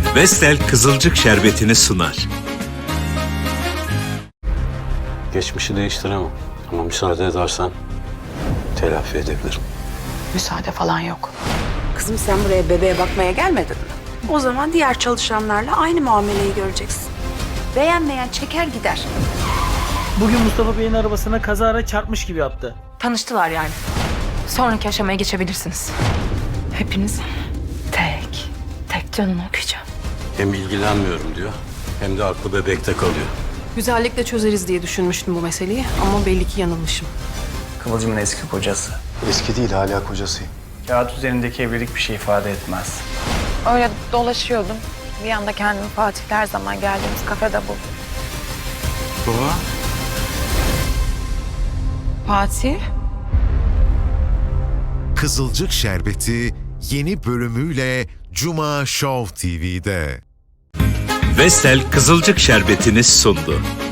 Vestel Kızılcık Şerbeti'ni sunar. Geçmişi değiştiremem ama müsaade edersen telafi edebilirim. Müsaade falan yok. Kızım sen buraya bebeğe bakmaya gelmedin mi? O zaman diğer çalışanlarla aynı muameleyi göreceksin. Beğenmeyen çeker gider. Bugün Mustafa Bey'in arabasına kazara çarpmış gibi yaptı. Tanıştılar yani. Sonraki aşamaya geçebilirsiniz. Hepiniz tek canını okuyacağım. Hem ilgilenmiyorum diyor hem de aklı bebekte kalıyor. Güzellikle çözeriz diye düşünmüştüm bu meseleyi ama belli ki yanılmışım. Kıvılcım'ın eski kocası. Eski değil, hala kocasıyım. Kağıt üzerindeki evlilik bir şey ifade etmez. Öyle dolaşıyordum. Bir anda kendimi Fatih'le her zaman geldiğimiz kafede buldum. Baba. Fatih? Kızılcık Şerbeti yeni bölümüyle Cuma Show TV'de. Vestel Kızılcık Şerbeti'ni sundu.